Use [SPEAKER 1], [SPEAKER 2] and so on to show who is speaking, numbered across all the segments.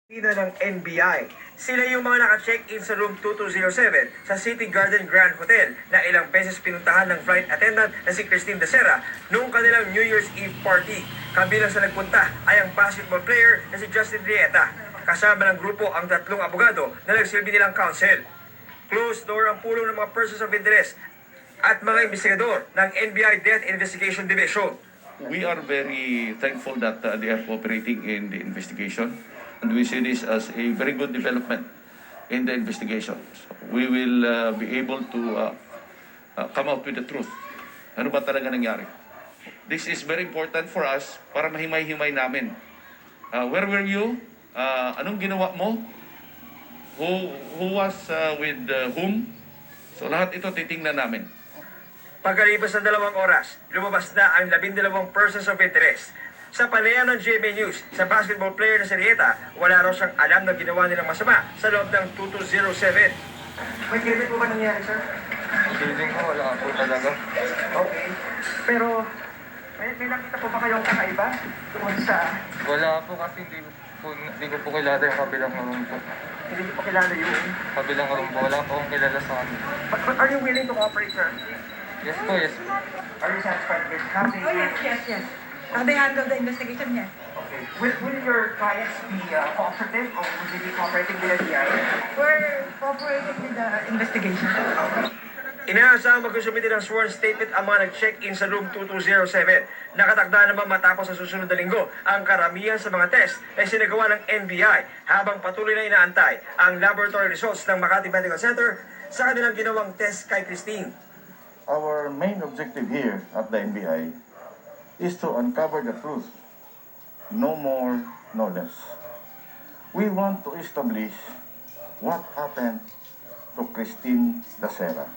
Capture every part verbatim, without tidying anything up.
[SPEAKER 1] Pina ng N B I. Sila yung mga naka-check-in sa room two two zero seven sa City Garden Grand Hotel na ilang beses pinuntahan ng flight attendant na si Christine Dacera noong kanilang New Year's Eve party. Kabilang sa nagpunta ay ang basketball player na si Justin Rieta. Kasama ng grupo ang tatlong abogado na nagsilbi nilang counsel. Closed door ang pulong ng mga persons of interest at mga investigador ng N B I Death Investigation Division.
[SPEAKER 2] We are very thankful that uh, they are cooperating in the investigation, and we see this as a very good development in the investigation. So we will uh, be able to uh, uh, come out with the truth. Ano ba talaga nangyari? This is very important for us para mahimay-himay namin. Uh, where were you? Uh, anong ginawa mo? Who, who was uh, with uh, whom? So lahat ito titingnan namin.
[SPEAKER 1] Pagkalipas ng dalawang oras, lumabas na ang labindalawang persons of interest. Sa panayam ng G M A News, sa basketball player na si Rieta, wala raw siyang alam na ginawa nilang masama sa loob ng two two zero seven. May krimen po ba nangyari, sir?
[SPEAKER 3] Feeling ko wala po talaga.
[SPEAKER 1] Okay. Pero, may, may nakita po ba kayong kakaiba? Tungkol sa...
[SPEAKER 3] Wala po kasi hindi po, hindi ko po kilala yung kabilang room po.
[SPEAKER 1] Hindi niyo po kilala yung...
[SPEAKER 3] Kabilang room po, wala po akong kilala sa amin.
[SPEAKER 1] But, but are you willing to cooperate, sir?
[SPEAKER 3] Yes po, yes po.
[SPEAKER 1] Are you satisfied with how they...
[SPEAKER 4] Oh, yes, yes, yes. How they handle the investigation, yes.
[SPEAKER 1] Okay. Will, will your clients be uh, cooperative or will they be cooperating with the D I?
[SPEAKER 4] We're cooperating with the investigation.
[SPEAKER 1] Inaasahang magsusumite ng sworn statement ang mga nag-check-in sa room two two zero seven. Nakatakda naman matapos sa susunod na linggo ang karamihan sa mga test ay sinagawa ng N B I habang patuloy na inaantay ang laboratory results ng Makati Medical Center sa kanilang ginawang test kay Christine.
[SPEAKER 5] Our main objective here at the N B I is to uncover the truth, no more, no less. We want to establish what happened to Christine Dacera.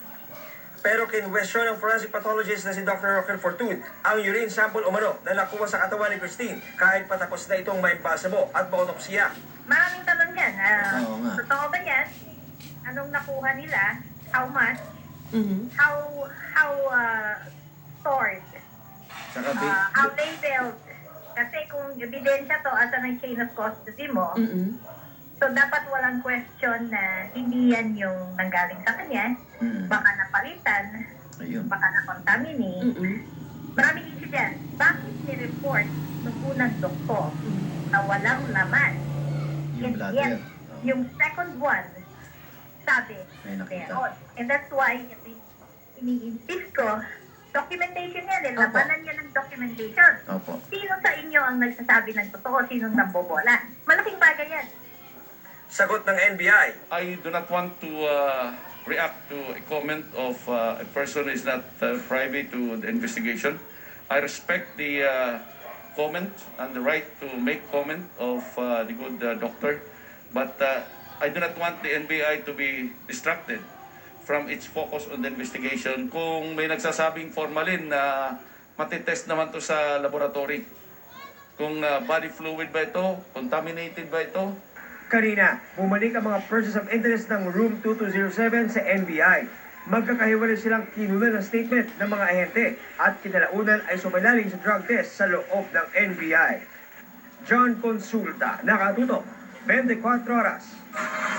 [SPEAKER 1] Pero kinwestiyon ng forensic pathologist na si Doctor Roquel Fortun ang urine sample umano na nakuha sa katawan ni Christine kahit patapos na itong maimbasamo at mautopsiya.
[SPEAKER 6] Maraming tanong yan. Ah,
[SPEAKER 7] Oo nga.
[SPEAKER 6] totoo ba yan? Anong nakuha nila? How much?
[SPEAKER 4] Mm-hmm.
[SPEAKER 6] How how uh, stored?
[SPEAKER 7] Saka
[SPEAKER 6] Uh,
[SPEAKER 7] ba-
[SPEAKER 6] how labeled? Kasi kung ebidensya to asa ng chain of custody mo,
[SPEAKER 4] Mm-hmm.
[SPEAKER 6] so dapat walang question na hindi yan yung nanggaling sa kanya.
[SPEAKER 7] Mm.
[SPEAKER 6] Baka napalitan,
[SPEAKER 7] Ayun.
[SPEAKER 6] baka na-contaminate.
[SPEAKER 4] Mm-hmm.
[SPEAKER 6] Maraming isip yan. Bakit ni-report ng unang doktor na walang laman?
[SPEAKER 7] Yung
[SPEAKER 6] And
[SPEAKER 7] bladder.
[SPEAKER 6] yet, yung second one, sabi,
[SPEAKER 7] May nakita.
[SPEAKER 6] meron. And that's why, ini-insist ko, documentation yan eh.
[SPEAKER 4] Opo.
[SPEAKER 6] Labanan yan ng documentation.
[SPEAKER 7] Opo.
[SPEAKER 6] Sino sa inyo ang nagsasabi ng totoo? Sinong nambobola? Malaking bagay yan.
[SPEAKER 1] Sagot ng N B I.
[SPEAKER 2] I do not want to uh, react to a comment of uh, a person who is not uh, privy to the investigation. I respect the uh, comment and the right to make comment of uh, the good uh, doctor, but uh, I do not want the N B I to be distracted from its focus on the investigation. Kung may nagsasabing formalin na matitest naman to sa laboratory, kung uh, body fluid ba ito, contaminated ba ito,
[SPEAKER 1] Kanina, bumalik ang mga persons of interest ng room two two zero seven sa N B I. Magkakahiwalay silang kinunan ng statement ng mga ahente at kinalaunan ay sumalaling sa drug test sa loob ng N B I. John Consulta, nakatutok, twenty-four oras.